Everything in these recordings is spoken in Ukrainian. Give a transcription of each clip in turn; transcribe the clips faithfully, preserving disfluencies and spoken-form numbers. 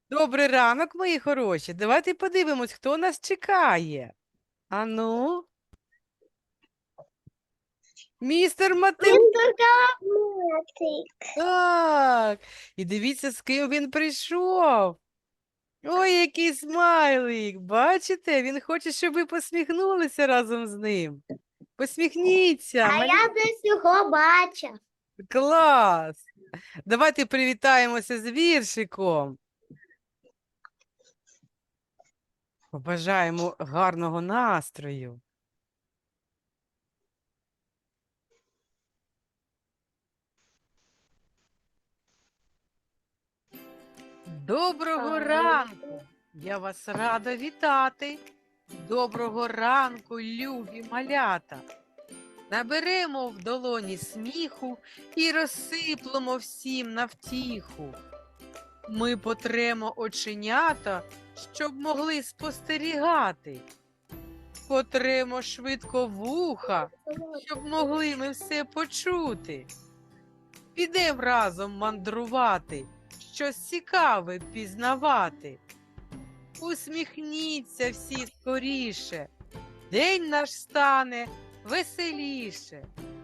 Добрий ранок, мої хороші. Давайте подивимось, хто нас чекає. Ану, містер Матем. Математик. Так. І дивіться, з ким він прийшов. Ой, який смайлик. Бачите? Він хоче, щоб ви посміхнулися разом з ним. Посміхніться. А малі- я десь його бачив. Клас. Давайте привітаємося з віршиком. Побажаємо гарного настрою. Доброго Так. ранку! Я вас рада вітати. Доброго ранку, любі малята. Наберемо в долоні сміху і розсиплемо всім на втіху. Ми потремо оченята, щоб могли спостерігати. Потремо швидко вуха, щоб могли ми все почути. Підем разом мандрувати, щось цікаве пізнавати. Усміхніться всі скоріше, день наш стане веселіше.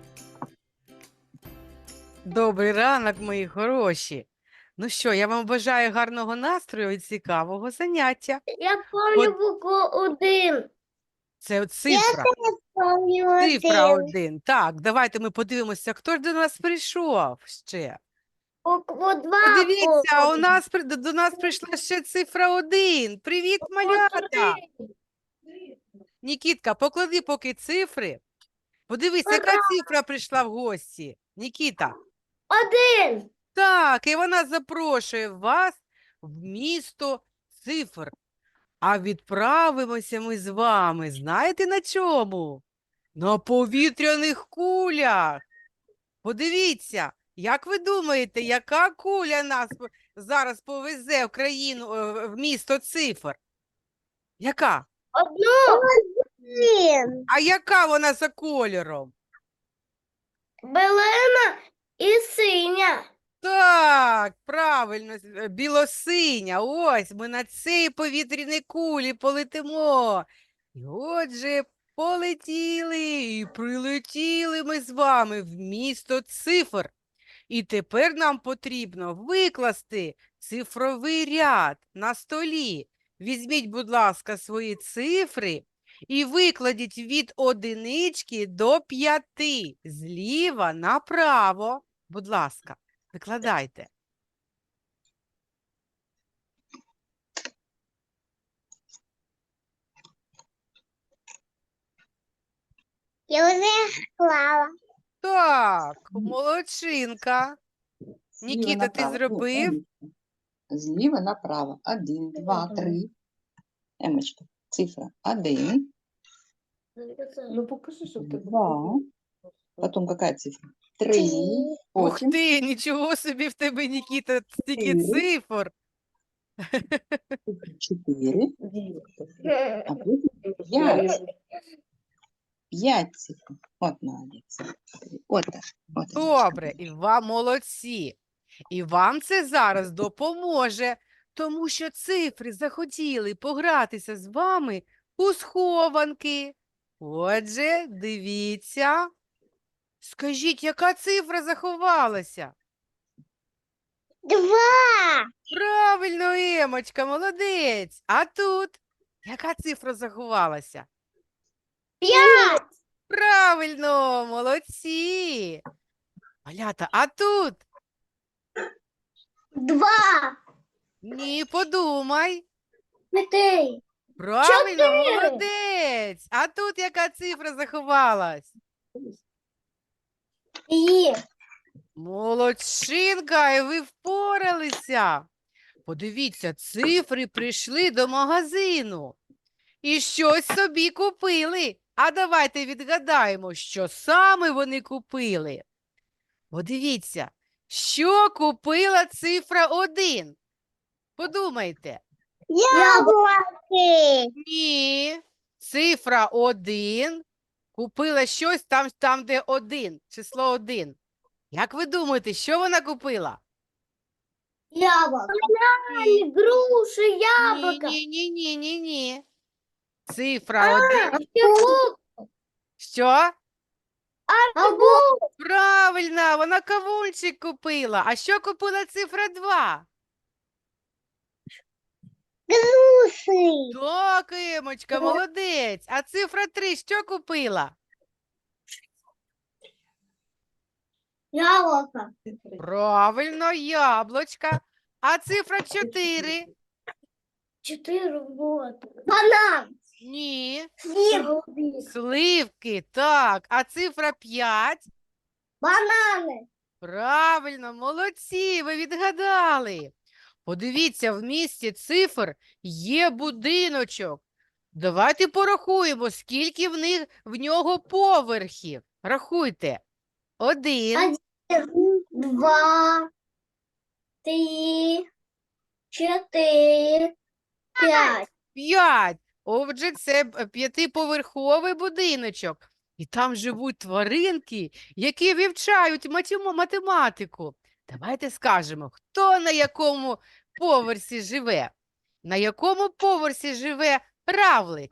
Добрий ранок, мої хороші. Ну що, я вам бажаю гарного настрою і цікавого заняття. Я пам'ятаю букву один. Це цифра. Пам'ятаю Цифра один. Так, давайте ми подивимося, хто ж до нас прийшов ще. Букву два. Подивіться, у нас при- до до нас прийшла ще цифра один. Привіт, малята! Нікітка, поклади поки цифри. Подивись, яка Ура! цифра прийшла в гості. Нікіта. Один. Так, і вона запрошує вас в місто цифр. А відправимося ми з вами, знаєте на чому? На повітряних кулях. Подивіться, як ви думаєте, яка куля нас п- зараз повезе в країну, е, в місто цифр? Яка? Одну. Один. А яка вона за кольором? Белена і синя. Так, правильно, е, білосиня. Ось ми на цій повітряній кулі полетимо. І отже, полетіли і прилетіли ми з вами в місто цифр. І тепер нам потрібно викласти цифровий ряд на столі. Візьміть, будь ласка, свої цифри і викладіть від одинички до п'яти зліва направо. Будь ласка, викладайте. Я вже склала. Так, молодчинка. Зліва Нікіта, ти направо. зробив? Емочка. Зліва направо. Один, два, три. Емочка. Цифра. Один, Ну покажи, щоб ти два. Потом какая цифра? Три. Ух Потім ти, нічого собі в тебе, Нікіта, стільки Чотири. цифр. чотири. А потім п'ять. П'ять цифр. От молодець. От так. От, Добре, і вам молодці. І вам це зараз допоможе, тому що цифри захотіли погратися з вами у схованки. Отже, дивіться. Скажіть, яка цифра заховалася? Два. Правильно, Емочка, молодець. А тут яка цифра заховалася? П'ять. Правильно, молодці. Малята, а тут? Два. Ні, подумай. П'ятий. Правильно, Чотири. молодець. А тут яка цифра заховалась? Є. Молодчинка, і ви впоралися. Подивіться, цифри прийшли до магазину і щось собі купили. А давайте відгадаємо, що саме вони купили. Подивіться, що купила цифра один? Подумайте. Яблуки. Ні, цифра один купила щось там, там, де один, число один. Як ви думаєте, що вона купила? Яблоко. Бананы, груши, яблоко. Ні, ні, ні, ні, ні. Цифра один. Арбуз. Що? Арбуз. Правильно, вона кавунчик купила. А що купила цифра два? Груши. Так, Емочка, молодець. А цифра три що купила? Яблоко. Правильно, яблочка. А цифра чотири? Четыре вот. Банан. Ні. Слив. Сливки, так. А цифра п'ять? Бананы. Правильно, молодці, ви відгадали. Подивіться, в місті цифр є будиночок. Давайте порахуємо, скільки в них в нього поверхів. Рахуйте. Один, Один, два, три, четыре, пять. п'ять. Отже, це б- п'ятиповерховий будиночок. І там живуть тваринки, які вивчають матему- математику. Давайте скажемо, хто на якому поверсі живе? На якому поверсі живе равлик?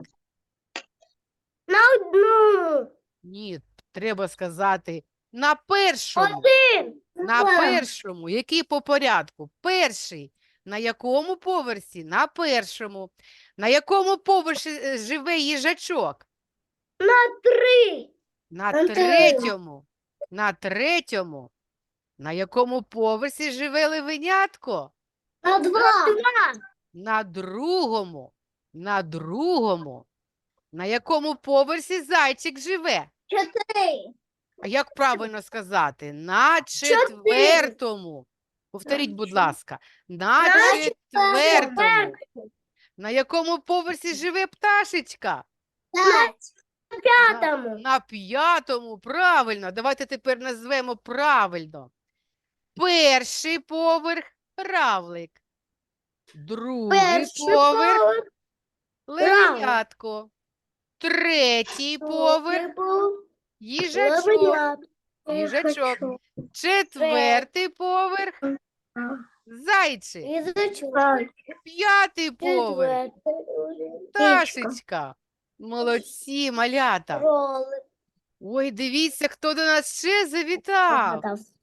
На одну. Ні, треба сказати на першому. Один. На першому. Який по порядку? Перший. На якому поверсі? На першому. На якому поверсі е, живе їжачок? На три. На На третьому. На третьому. На якому поверсі живе левенятко? На два. На другому. На другому. На якому поверсі зайчик живе? Четыре. А як правильно сказати? На четвертому. Повторіть, будь ласка. На На четвертому. На якому поверсі живе пташечка? Пять. На пятому. На п'ятому. Правильно. Давайте тепер назвемо правильно. Перший поверх – равлик. Другий Перший поверх поверх. – левенятко. Третій поверх Поверх. – їжачок. Їжачок. Четвертий поверх – зайчик. Язычок. П'ятий поверх – пташечка. Молодці, малята. Ой, дивіться, хто до нас ще завітав.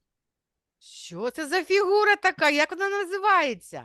Що це за фігура така? Як вона називається?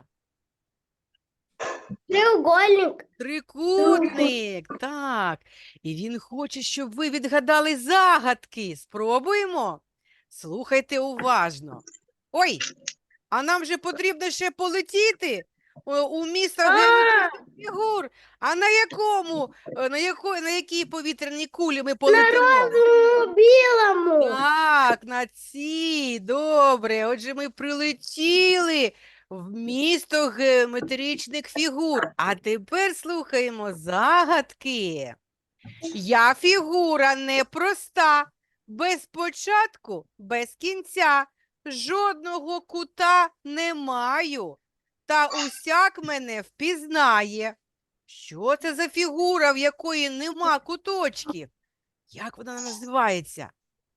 Треугольник. Трикутник. Так. І він хоче, щоб ви відгадали загадки. Спробуємо? Слухайте уважно. Ой, а нам же потрібно ще полетіти о, у місто геометричних фігур. А на якому, е, на якої, на якій повітряній кулі ми полетимо? Ну, білому. Так, на цій, добре. Отже, ми прилетіли в місто геометричних фігур. А тепер слухаємо загадки. Я фігура непроста, без початку, без кінця, жодного кута не маю, та усяк мене впізнає. Що це за фігура, в якої нема куточків? Як вона називається?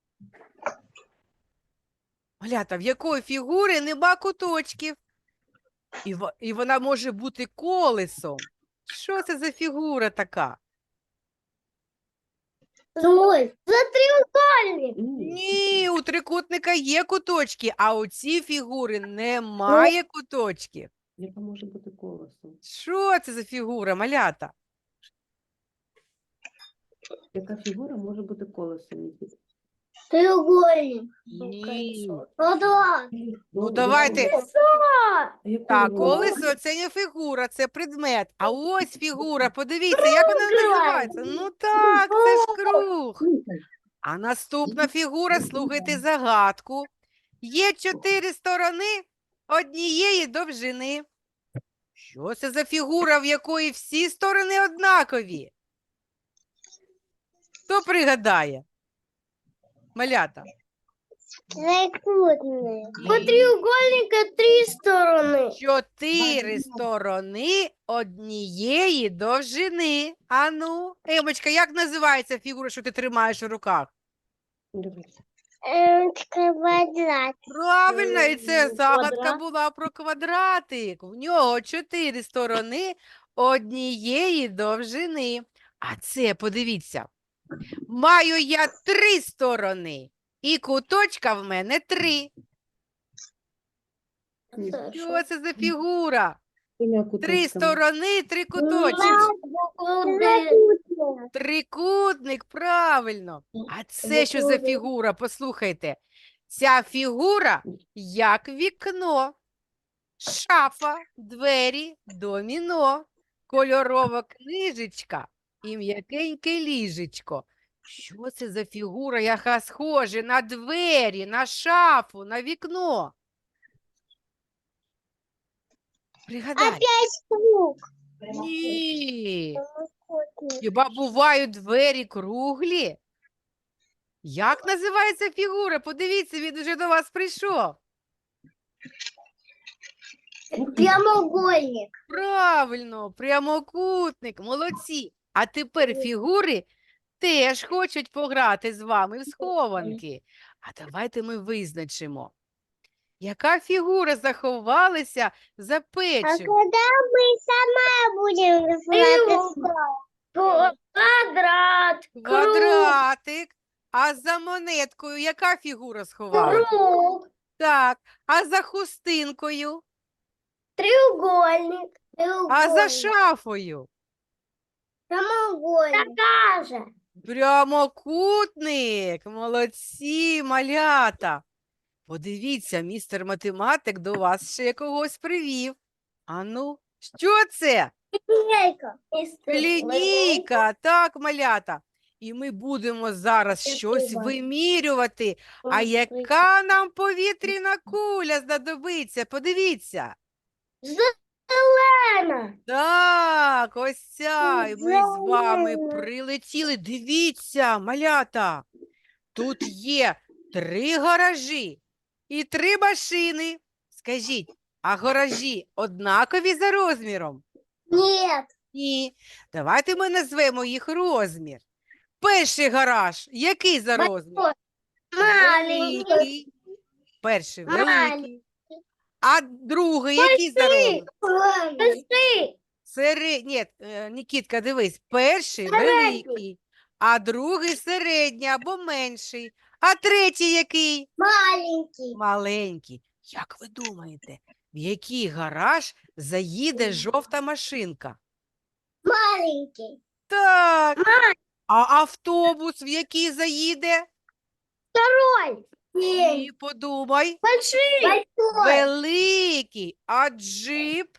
Малята, в якої фігури нема куточків? І, во- і вона може бути колесом. Що це за фігура така? Ой, за треугольник. Ні, у трикутника є куточки, а у ці фігури немає куточків. Яка може бути колесом? Що це за фігура, малята? Яка фігура може бути колесом? Нікіта? Треугольник. Ні. Квадрат. Ну, давайте. А яку Так, його- колесо – це не фігура, це предмет. А ось фігура, подивіться, як вона називається? Ну так, це ж круг. Слухай, А наступна фігура, слухайте загадку. Є чотири сторони однієї довжини. Що це за фігура, в якої всі сторони однакові? Хто пригадає? Малята. Трикутник. У Ні. треугольника три стороны. Чотири сторони однієї довжини. Ану, Емочка, як називається фігура, що ти тримаєш у руках? Дивись. Квадрат. Правильно, і це М, загадка квадрат. була про квадратик. В нього чотири сторони однієї довжини. А це, подивіться, маю я три сторони, і куточка в мене три. Що це за фігура? Трьома Три куточками. сторони, три куточки. Трикутник, правильно. А це що за фігура? Послухайте. Ця фігура як вікно, шафа, двері, доміно, кольорова книжечка і м'якеньке ліжечко. Що це за фігура, яка схожа на двері, на шафу, на вікно? Пригадай. Опять круг. Ні. Хіба бувають двері круглі? Як називається фігура? Подивіться, він уже до вас прийшов. Прямоугольник. Правильно, прямокутник, молодці. А тепер фігури теж хочуть пограти з вами в схованки. А давайте ми визначимо, яка фігура заховалася за А печем. когда мы сама будем знать? Квадрат. Квадратик. А за монеткою яка фігура сховалася? Круг. Так, а за хустинкою? Треугольник. А за шафою? Прямоугольник. Такая же. Прямокутник. Молодці, малята. Подивіться, містер математик до вас ще когось привів. Ану, що це? Линейка. Лінійка, так, малята. І ми будемо зараз щось Спасибо. вимірювати. А яка нам повітряна куля знадобиться? Подивіться. Зелена. Так, ось ця. І ми з вами Зелена. прилетіли. Дивіться, малята. Тут є три гаражі і три машини. Скажіть, а гаражі однакові за розміром? Нет. Ні. Давайте ми назвемо їх розмір. Перший гараж, який за розмір? Маленький. Великий. Перший великий. Маленький. А другий, який за розмір? Большой. Серед... Ні, е, Нікітка, дивись, перший Середній. великий, а другий середній або менший. А третій який? Маленький. Маленький. Як ви думаєте, в який гараж заїде жовта машинка? Маленький. Так. А автобус в який заїде? Второй. Ні, подумай. Большой. Большой. Великий. А джип?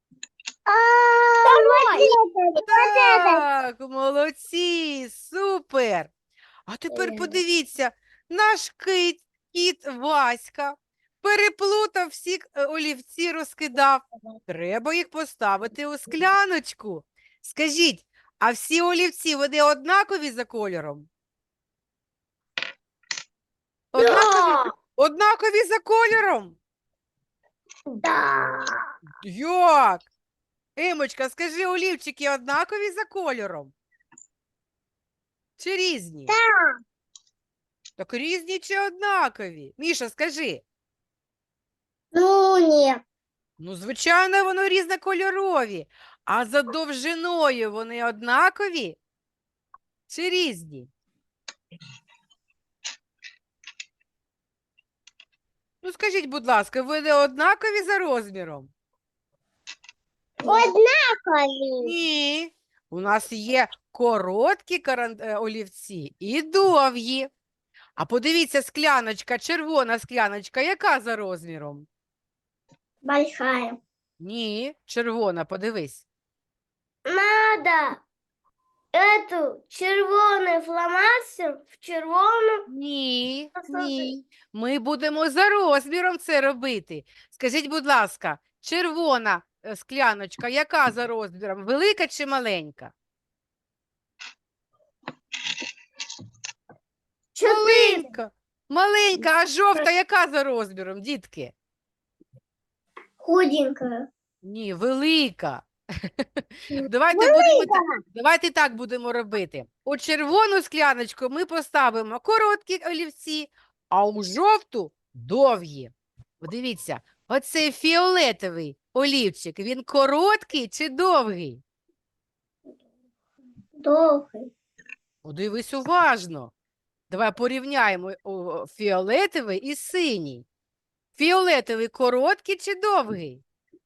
Второй. Так, молодці, супер. А тепер Е. подивіться, наш кит, кіт Васька переплутав всі е, олівці, розкидав. Треба їх поставити у скляночку. Скажіть, а всі олівці, вони однакові за кольором? Однакові, однакові за кольором? Да. Як? Емочка, скажи, олівчики однакові за кольором? Чи різні? Так. Так різні чи однакові? Міша, скажи. Ну, нет. Ну, звичайно, воно різнокольорові. А за довжиною вони однакові чи різні? Ну, скажіть, будь ласка, вони однакові за розміром? Однаковый. Ні. У нас є короткі каран... е, олівці і довгі. А подивіться, скляночка, червона скляночка, яка за розміром? Большая. Ні, червона, подивись. Надо эту червоный фломастер в червону. Ні, Просто ні. Ми будемо за розміром це робити. Скажіть, будь ласка, червона е, скляночка, яка за розміром? Велика чи маленька? Четыре. Маленька. Маленька, а жовта яка за розміром, дітки? Худенькая. Ні, велика. Давайте будемо так, давайте так будемо робити. У червону скляночку ми поставимо короткі олівці, а у жовту довгі. Подивіться, оцей фіолетовий олівчик, він короткий чи довгий? Довгий. Подивись уважно. Давай порівняємо о, фіолетовий і синій. Фіолетовий короткий чи довгий?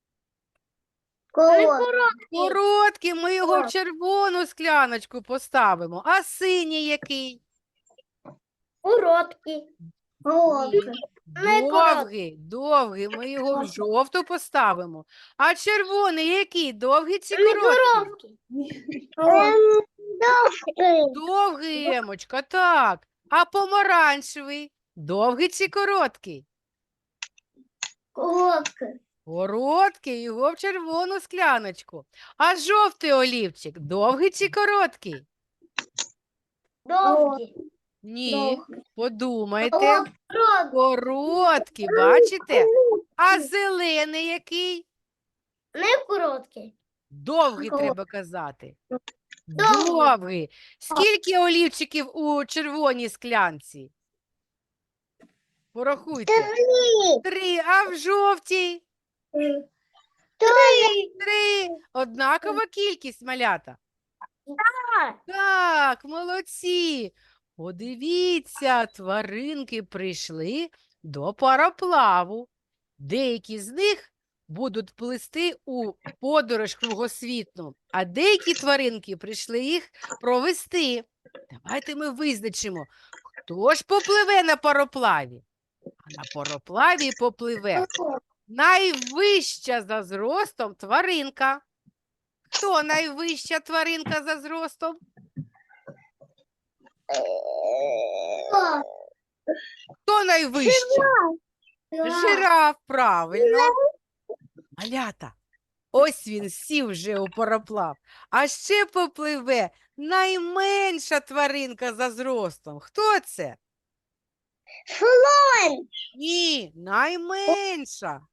Короткий. Короткий, ми його в Так. червону скляночку поставимо. А синій який? Короткий. Короткий. Не Довгий, довгий, ми його в жовту поставимо. А червоний який? Довгий чи короткий? Ем, Довгий. Довгий, Емочка, так. А помаранчевий? Довгий чи короткий? Короткий. Короткий, його в червону скляночку. А жовтий олівчик? Довгий чи короткий? Довгий. Ні, Довгий. подумайте. Короткий. Короткий, бачите? А зелений який? Не короткий. Довгий Короткий. треба казати. Довгий. Довгий. Скільки олівчиків у червоній склянці? Порахуйте. Три. А в жовтій? Три. Три. Однакова кількість, малята. Так, молодці. Подивіться, тваринки прийшли до пароплаву. Деякі з них будуть плисти у подорож кругосвітну, а деякі тваринки прийшли їх провести. Давайте ми визначимо, хто ж попливе на пароплаві. А на пароплаві попливе найвища за зростом тваринка. Хто найвища тваринка за зростом? Хто найвища? Жираф, правильно. Малята, ось він сів вже у пароплав. А ще попливе найменша тваринка за зростом. Хто це? Слон. Ні, найменша.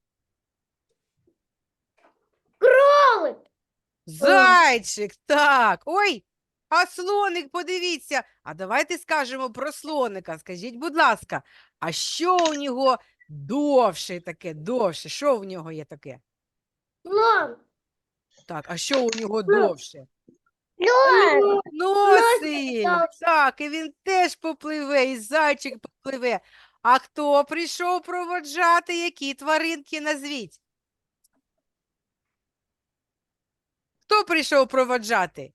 Кролик. Зайчик, так. Ой, а слоник, подивіться. А давайте скажемо про слоника. Скажіть, будь ласка, а що у нього довше таке, довше? Що в нього є таке? Слон. Так, а що у нього довше? Слон. Носик. так. Так, і він теж попливе, і зайчик попливе. А хто прийшов проводжати, які тваринки назвіть? Хто прийшов проводжати?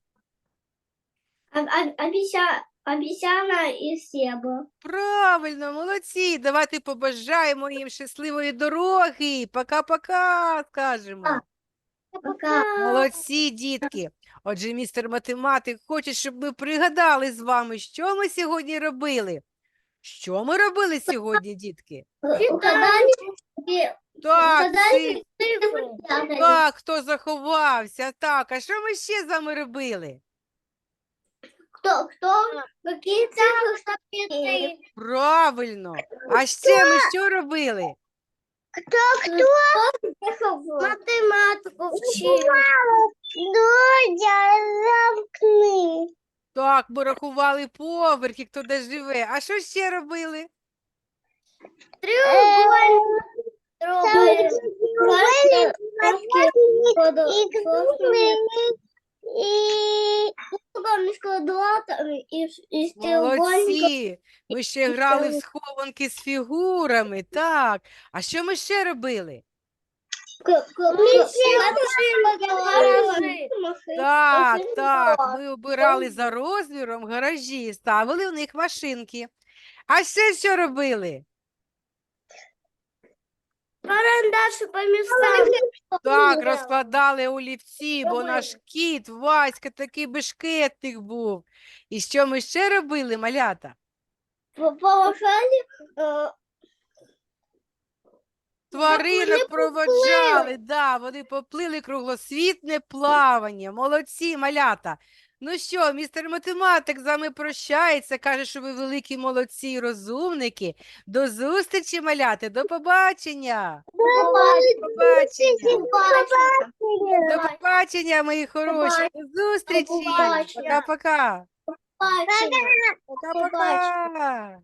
Обіцяна і себа. Правильно, молодці. Давайте побажаємо їм щасливої дороги. Пока-пока, скажемо. Пока. Молодці, дітки. Отже, містер математик хоче, щоб ми пригадали з вами, що ми сьогодні робили. Що ми робили сьогодні, дітки? Угадали? Так, Угадали цифри. цифри? Так, хто заховався. Так, а що ми ще з вами робили? Кто, кто, какие цифры, что Правильно. А ще ми що робили? Кто, кто? Математику вчил. Дудя, замкни. Так, ми рахували поверхи, хто де живе. А що ще робили? Треугольник. Треугольник. И треугольник с квадратами и и с треугольником. Молодці. Ми ще грали в схованки з фігурами. Так. А що ми ще робили? Так, так, ми обирали за розміром гаражі, ставили в них машинки. А ще що робили? Карандаши по местам. Так, розкладали олівці, бо наш кіт Васька такий бешкетник був. І що ми ще робили, малята? Повышали. э, Тваринок проводжали, да, вони поплили круглосвітне плавання. Молодці, малята. Ну що, містер математик з вами прощається, каже, що ви великі молодці і розумники. До зустрічі, маляти, до побачення. Побачення. До побачення, мої хороші. До зустрічі. побачення. Пока-пока. Побачення. Пока-пока.